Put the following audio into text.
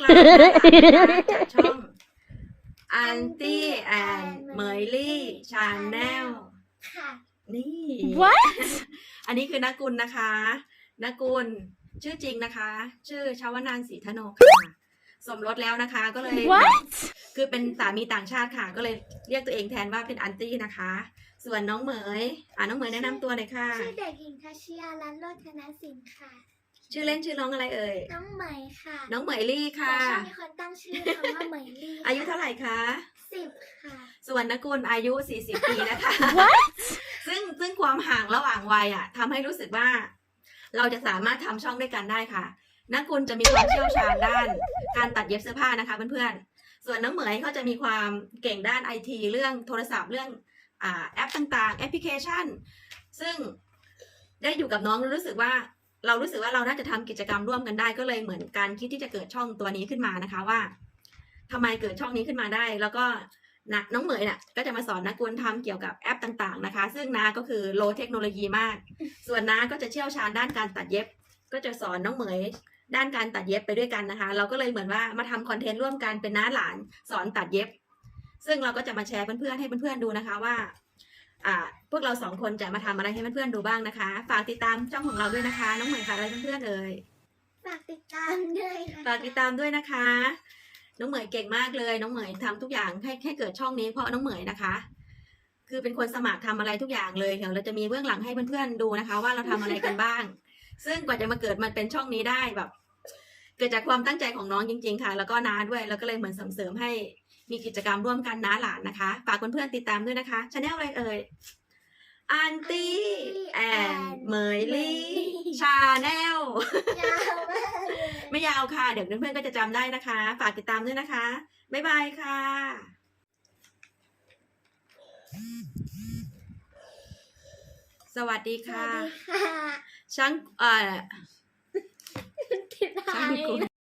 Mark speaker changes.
Speaker 1: เรานะคะจากช่องอันตี้แอนเมยลี่ชาแนล
Speaker 2: ค่ะ
Speaker 1: นี่
Speaker 3: What
Speaker 1: อันนี้คือนักกุลนะคะนักกุลชื่อจริงนะคะ ชื่อชาวนานศรีธโนค่ะสมรสแล้วนะคะก็เลย
Speaker 3: What
Speaker 1: คือเป็นสามีต่างชาติค่ะ ก็เลยเรียกตัวเองแทนว่าเป็นอันตี้นะคะ ส่วนน้องเหมยน้องเหมยแนะนำตัวหน่อยค่ะ
Speaker 2: ชื่อเด็กหญิงทัชยาลันโรจนศิลป์ค่ะ
Speaker 1: ชื่อเล่นชื่อน้องอะไรเอ่ย
Speaker 2: น้องเหมยค่ะ
Speaker 1: น้องเหมยลี่
Speaker 2: แต่
Speaker 1: ค่ะ
Speaker 2: ชอบมีคนตั้งชื่อคำว่าเหมยลี่
Speaker 1: อายุเท่าไหร่คะ
Speaker 2: 10 ค่ะ
Speaker 1: ส่วนนักกุลอายุ 40 ปีนะคะ
Speaker 3: What
Speaker 1: ซึ่งความห่างระหว่างวัยทำให้รู้สึกว่า เราจะสามารถทำช่องด้วยกันได้ค่ะนักกุลจะมีความเชี่ยวชาญด้านการตัดเย็บเสื้อผ้านะคะเพื่อนๆส่วนน้องเหมยเขาจะมีความเก่งด้านไอทีเรื่องโทรศัพท์เรื่องแอปต่างๆแอปพลิเคชัน ซึ่งได้อยู่กับน้องรู้สึกว่าเราน่าจะทำกิจกรรมร่วมกันได้ก็เลยเหมือนการคิดที่จะเกิดช่องตัวนี้ขึ้นมานะคะว่าทำไมเกิดช่องนี้ขึ้นมาได้ แล้วก็น้องเหมยก็จะมาสอนนักกุลทำเกี่ยวกับแอปต่างๆนะคะ ซึ่งน้าก็คือโลเทคโนโลยีมาก ส่วนน้าก็จะเชี่ยวชาญด้านการตัดเย็บ ก็จะสอนน้องเหมยด้านการตัดเย็บไปด้วยกันนะคะ เราก็เลยเหมือนว่ามาทำคอนเทนต์ร่วมกันเป็นน้าหลานสอนตัดเย็บ ซึ่งเราก็จะมาแชร์เพื่อนๆให้เพื่อนๆดูนะคะว่าพวกเรา2 คนจะมาทำอะไรให้เพื่อนๆดูบ้างนะคะฝากติดตามช่องของเราด้วยนะคะน้องเหมยฝากอะไรเพื่อนๆเอ่ย
Speaker 2: ฝากติดตามด้วยนะคะ
Speaker 1: ฝากติดตามด้วยนะคะ น้องเหมยเก่งมากเลยน้องเหมยทำทุกอย่างให้เกิดช่องนี้เพราะน้องเหมยนะคะ คือเป็นคนสมัครทำอะไรทุกอย่างเลยเดี๋ยวเราจะมีเบื้องหลังให้เพื่อนๆดูนะคะ ว่าเราทำอะไรกันบ้าง ซึ่งกว่าจะมาเกิดมันเป็นช่องนี้ได้แบบ เกิดจากความตั้งใจของน้องจริงๆค่ะ แล้วก็น้าด้วยแล้วก็เลยเหมือนส่งเสริมให้มีกิจกรรมร่วมกันน้าหลานนะคะฝากเพื่อนๆติดตามด้วยนะคะชาแนลอะไรเอ่ยอันตี้แอนเมยลี่ชาแนล
Speaker 2: ยาวมากเลย
Speaker 1: ไม่ยาวค่ะ เดี๋ยวเพื่อนๆก็จะจำได้นะคะ ฝากติดตามด้วยนะคะ บ๊ายบายค่ะ สวัสดี
Speaker 2: ส
Speaker 1: ค่ะ
Speaker 2: วัสดีค่ะ
Speaker 1: ช่าง
Speaker 2: ติดตาม
Speaker 1: ช่างกุล